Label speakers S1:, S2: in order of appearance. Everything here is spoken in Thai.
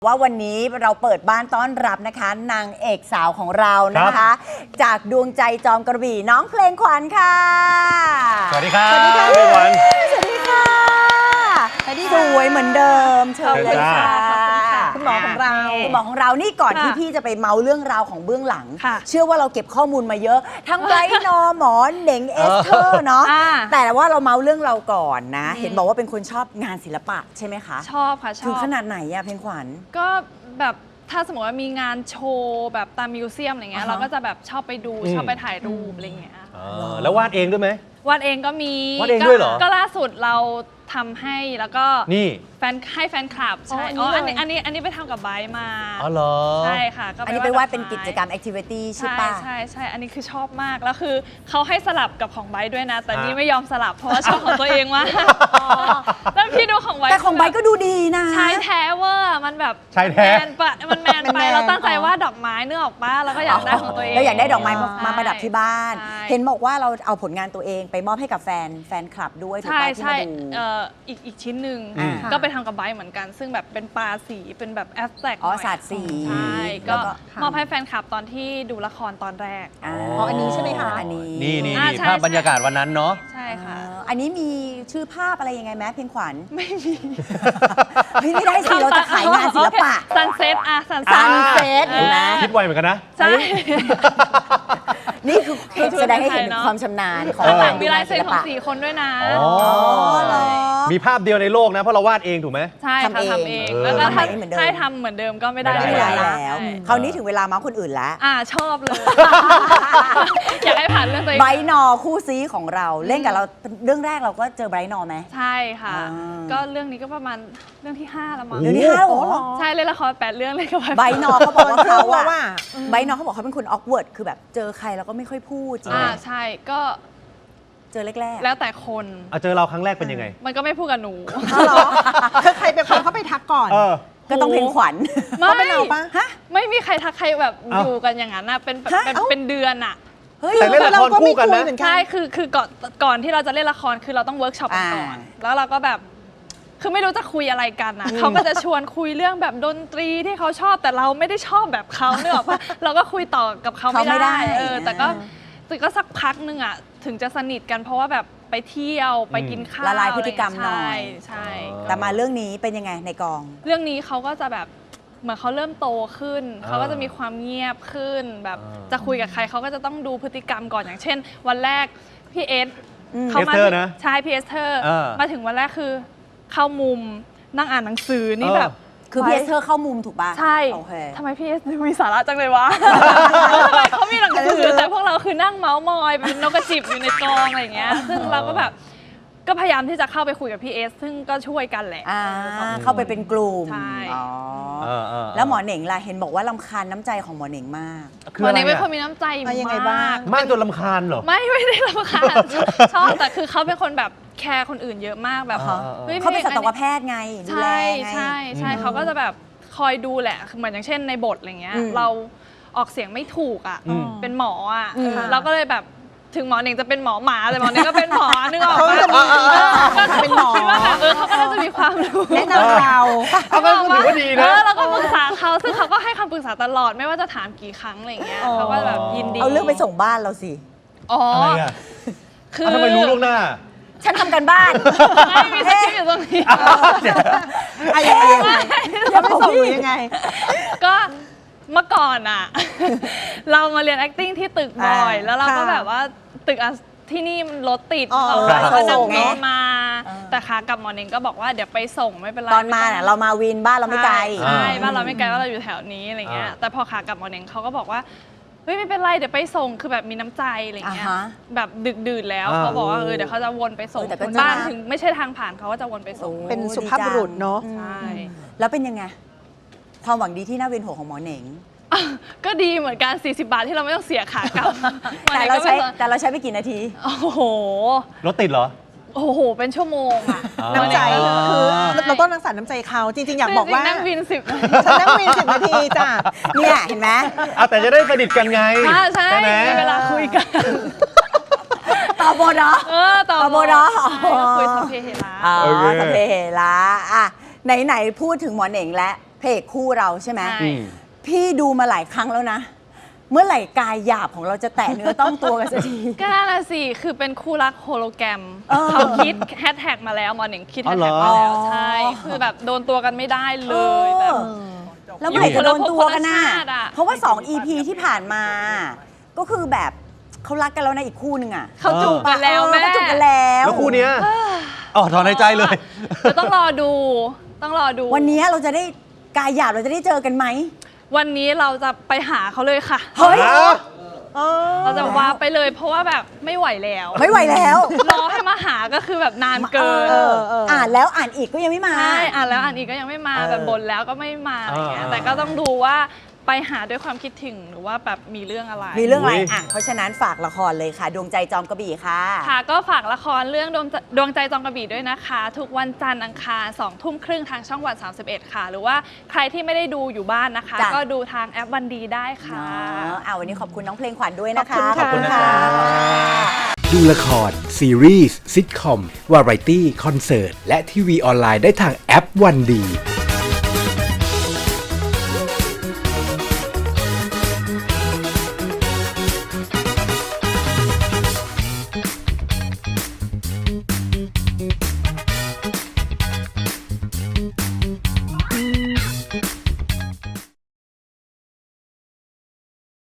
S1: ว่าวันนี้เราเปิดบ้านต้อนรับนะคะนางเอกสาวของเรานะคะจากดวงใจจอมกระบี่น้องเพลงขวัญค่ะ
S2: สวัสดีครับสวัสดีค่ะเพลงขวัญ
S1: สวัสดีค่ะสวยเหมือนเดิมเชิญเลยค่ะ
S3: คุณหมอของเรา
S1: นี่ก่อนที่พี่จะไปเมาเรื่องราวของเบื้องหลังเชื่อว่าเราเก็บข้อมูลมาเยอะทั้งไบรท์นอหมอเหน่งเอสเธอร์เนาะแต่ว่าเราเมาเรื่องเราก่อนนะเห็นบอกว่าเป็นคนชอบงานศิลปะใช่ไหมคะ
S3: ชอบค่ะชอบ
S1: ถึงขนาดไหนอะเพลงขวัญ
S3: ก็แบบถ้าสมมติว่ามีงานโชว์แบบตามมิวเซียมอะไรเงี้ยเราก็จะแบบชอบไปดูชอบไปถ่ายรูปอะไรเงี้ย
S2: แล้ววาดเองด้วยไหม
S3: วาดเองก็มี
S2: วาดเองด้วยเหรอ
S3: ก็ล่าสุดเราทำให้แล้วก็
S2: นี่
S3: ให้แฟนคลับใช่อันนี้ไปทำกับไบร์ทมา
S2: อ๋อเหรอ
S3: ใช่ค่ะ
S1: อันนี้ไปวาดเป็นกิจกรรมแอคทิวิตี้ใช่ป่ะ
S3: ใช่อันนี้คือชอบมากแล้วคือเขาให้สลับกับของไบร์ทด้วยนะแต่นี่ไม่ยอมสลับเพราะว่าชอบของตัวเองมากแล้วพี่ดูของไบร์ท
S1: แต่ของไบร์ทก็ดูดีนะ
S3: ชายแท้เวอร์มันแบบ
S2: ชายแท้
S3: มันแมนไปเราตั้งใจว่าดอกไม้เนื้อออกป้าแล้วก็อยากได้ของตัวเอง
S1: เราอยากได้ดอกไม้มาประดับที่บ้านเห็นบอกว่าเราเอาผลงานตัวเองไปมอบให้กับแฟนคลับด้วยถูกป่ะที่มาดู
S3: อีกชิ้นหนึ่งก็ไปทำกับไบร์ทเหมือนกันซึ่งแบบเป็นปลาสีเป็นแบบแอสแท็ก
S1: ศาสตร์สี
S3: ใช่ก็มอบให้แฟนคลับตอนที่ดูละครตอนแรก
S1: อันนี้ใช่ไหมคะอันนี้
S2: นี่ภาพบรรยากาศวันนั้นเนาะ
S3: ใช่ค่ะ
S1: อันนี้มีชื่อภาพอะไรยังไงไหมเพลงขวัญ
S3: ไม่มี
S1: ไม่ได้สิเราจะขายงานศิลปะ
S3: ซันเซ็ต
S1: ซันเซ็ตเห็นไหม
S2: คิดไวเหมือนกันนะ
S3: ใช่
S1: นี่คือแสดงให้เห็นถึงความชำนาญของการ
S3: มีลายเซ็นของ4 คนด้วยนะ
S2: มีภาพเดียวในโลกนะเพราะเราวาดเองถูกไหม
S3: ใช่ทำเองแล้วถ้าใช่ทำเหมือนเดิมก็ไม่ได้
S1: แล้วคราวนี้ถึงเวลามาคนอื่นแล้ว
S3: ชอบเลยอยากให้ผ่านเรื่องตัวเอง
S1: ไบรท์นอคู่ซีของเราเล่นกับเราเรื่องแรกเราก็เจอไบรท์นอไหม
S3: ใช่ค่ะก็เรื่องนี้ก็ประมาณเรื่องที่5แล้วมั้ง
S1: เรื่องที่5หรอ
S3: ใช่เล่นละคร8 เรื่องเลยกับ
S1: ไบรท์นอเขาบอกว่าไบรท์นอเขาบอกเขาเป็นคนออกเวิร์ดคือแบบเจอใครแล้วก็ไม่ค่อยพูดจริง
S3: ใช่ก็
S1: เจอแรก
S3: ๆแล้วแต่คน
S2: เจอเราครั้งแรกเป็นยังไง
S3: มันก็ไม่พูดกับหนู
S4: คือใครเป็นคนเข้าไปทักก่อน
S1: ก็ต้องเพลงขวัญ
S3: ไม่เป็นเราปะไม่มีใครทักใครแบบอยู่กันอย่างนั้นเป็นเดือน
S2: แต่เล่นละครคู่กันนะ
S3: ใช่คือก่อนที่เราจะเล่นละครคือเราต้องเวิร์กช็อปกันก่อนแล้วเราก็แบบคือไม่รู้จะคุยอะไรกันนะเขาก็จะชวนคุยเรื่องแบบดนตรีที่เขาชอบแต่เราไม่ได้ชอบแบบเขาเนอะเพราะเราก็คุยต่อกับเขาไม่ได้แต่ก็สักพักนึงถึงจะสนิทกันเพราะว่าแบบไปเที่ยวไปกินข้าว
S1: ละลายพฤติกรรมหน่อย
S3: ใช่
S1: แต่มาเรื่องนี้เป็นยังไงในกอง
S3: เรื่องนี้เขาก็จะแบบเหมือนเขาเริ่มโตขึ้นเขาก็จะมีความเงียบขึ้นแบบจะคุยกับใครเขาก็จะต้องดูพฤติกรรมก่อนอย่างเช่นวันแรกพี่เอส
S2: เขามา
S3: ใช่พี่เอสเธอร์มาถึงวันแรกคือเข้ามุมนั่งอ่านหนังสือนี่แบบ
S1: คือพี่เอสเธอร์เข้ามุมถูกป่ะ
S3: ใช่ทำไมพี่เอสมีสาระจังเลยวะทำไมเขามีหนังสือแต่พวกเราคือนั่งเมาส์มอยเป็นนกกระจิบอยู่ในกองอะไรอย่างเงี้ยซึ่งเราก็แบบก็พยายามที่จะเข้าไปคุยกับพี่เอสซึ่งก็ช่วยกันแหละ
S1: เข้าไปเป็นกลุ่ม
S3: ใช่
S1: แล้วหมอเหน่งล่ะเห็นบอกว่ารำคาญน้ำใจของหมอเหน่งมาก
S3: หมอเหน่งเป็นคนมีน้ำใจม
S2: ากจนรำคาญเหรอ
S3: ไม่ได้รำคาญชอบแต่คือเขาเป็นคนแบบแคร์คนอื่นเยอะมากแบบ
S1: เขาเป็นสัตวแพทย์ไงดูแลไง
S3: ใช่เขาก็จะแบบคอยดูแหละเหมือนอย่างเช่นในบทอะไรเงี้ยเราออกเสียงไม่ถูกเป็นหมอเราก็เลยแบบถึงหมอเหน่งจะเป็นหมอหมาแต่หมอเหน่งก็เป็นหมอนึกออกไหมก็เป็นหมอคิดว่าแบบเขาก็น่าจะมีความรู้
S4: แนะนำเรา
S2: เขาก็ถือว่าดีนะ
S3: เราก็ปรึกษาเขาซึ่งเขาก็ให้คำปรึกษาตลอดไม่ว่าจะถามกี่ครั้งอะไรเงี้ยเขาก็แบบยินดี
S1: เอาเรื่องไปส่งบ้านเราสิ
S2: คือทำไมรู้ล่วงหน้า
S1: ฉันทำกันบ้าน
S3: ไม่มีสคริปต์อยู่ตรงนี้
S4: จะไปส่งยังไง
S3: ก็เมื่อก่อนเรามาเรียน acting ที่ตึกบ่อยแล้วเราก็แบบว่าตึกที่นี่มันรถติดก็นั่งรถมาแต่ขากลับหมอเหน่งก็บอกว่าเดี๋ยวไปส่งไม่เป็นไร
S1: ตอนมาเรามาวินบ้านเราไม่ไกล
S3: ใช่บ้านเราไม่ไกลว่าเราอยู่แถวนี้อะไรเงี้ยแต่พอขากลับหมอเหน่งเขาก็บอกว่าเฮ้ยไม่เป็นไรเดี๋ยวไปส่งคือแบบมีน้ำใจอะไรเงี้ยแบบดึกดื่นแล้วเขาบอกว่าเดี๋ยวเขาจะวนไปส่งบ้านถึงไม่ใช่ทางผ่านเขาก็จะวนไปส่ง
S4: เป็นสุภาพบุรุษเนาะ
S3: ใช่
S1: แล้วเป็นยังไงความหวังดีที่น่าเวียนหัวของหมอเหน่ง
S3: ก็ดีเหมือนกัน40 บาทที่เราไม่ต้องเสียขากลับ
S1: แต่เราใช้ไปกี่นาที
S3: โอ้โห
S2: รถติดเหรอ
S3: โอ้โหเป็นชั่วโมง
S4: น้ำใจคือเราต้องรักษาน้ำใจเขาจริงๆอยากบอกว่า
S3: นั่งวิน
S4: 10ฉันนั่งวิน10 นาทีจ้ะ
S1: เนี่ยเห็นไหม
S2: แต่จะได้สนิทกันไง
S3: ใช่มีเวลาคุยกัน
S1: ต่อบทเหรอ
S3: ต่อบทคุยสัพเพเหระ
S1: สัพเพเหระไหนพูดถึงหมอเหน่งและพระเอกคู่เราใช่ไหม
S3: ใช่
S1: พี่ดูมาหลายครั้งแล้วนะ เมื่อไหร่กายหยาบของเราจะแตะเนื้อต้องตัวกันสักที
S3: ก็นั่นน่ะสิ คือเป็นคู่รักโฮโลแกรม
S1: เออ
S3: เขาคิดแฮชแท็กมาแล้วหมอหนึ่งคิด
S2: อ๋
S3: แฮ
S2: อ
S3: ช
S2: เหร
S3: แท็
S2: อ
S3: กมาแล้วใช่ คือแบบโดนตัวกันไม่ได้เลยแบบ
S1: แล้วเมื่อไหร่จะโดนตัวกันน่ะ
S3: อยู่คนละภพคนละชาติอะ
S1: เพราะว่า 2 EP ที่ผ่านมา ก็คือแบบเขารักกันแล้วนะอีกคู่หนึ่งอ่ะ
S3: เขาจูบกันแล้วแม่
S1: เขาจูบกันแล้ว
S2: แล้วคู่เนี้ยอ๋อถอนในใจเลย
S3: เราต้องรอดู ต้องรอดู
S1: วันนี้เราจะได้กายหยาบเราจะได้เจอกันไหม
S3: วันนี้เราจะไปหาเขาเลยค่ะ
S1: เฮ้ย
S3: เราจะว่าไปเลยเพราะว่าแบบไม่ไหวแล้ว
S1: ไม่ไหวแล้ว
S3: รอให้มาหาก็คือแบบนานเกิน
S1: อ่านแล้วอ่านอีกก็ยังไม่มา
S3: ใช่อ่านแล้วอ่านอีกก็ยังไม่มา แบบบ่นแล้วก็ไม่มาอะไรเงี้ยแต่ก็ต้องดูว่าไปหาด้วยความคิดถึงหรือว่าแบบมีเรื่องอะไร
S1: มีเรื่องอะไร
S2: อุ๊ย
S1: อ่ะเพราะฉะนั้นฝากละครเลยค่ะ ดวงใจจอมกระบี่ค่ะ
S3: ค่ะก็ฝากละครเรื่องดวงใจจองกระบี่ด้วยนะคะ ทุกวันจันทร์อังคาร2 ทุ่มครึ่งทางช่องวัน 31 ค่ะ หรือว่าใครที่ไม่ได้ดูอยู่บ้านนะคะ
S1: จ้ะ
S3: ก็ดูทางแอปวันดีได้ค่ะ
S1: วันนี้ขอบคุณน้องเพลงขวัญด้วยนะคะ
S4: ขอบคุณค่ะ
S5: ดูละคร ซีรีส์ซิทคอม วาไรตี้ คอนเสิร์ต และทีวีออนไลน์ได้ทางแอปวันดี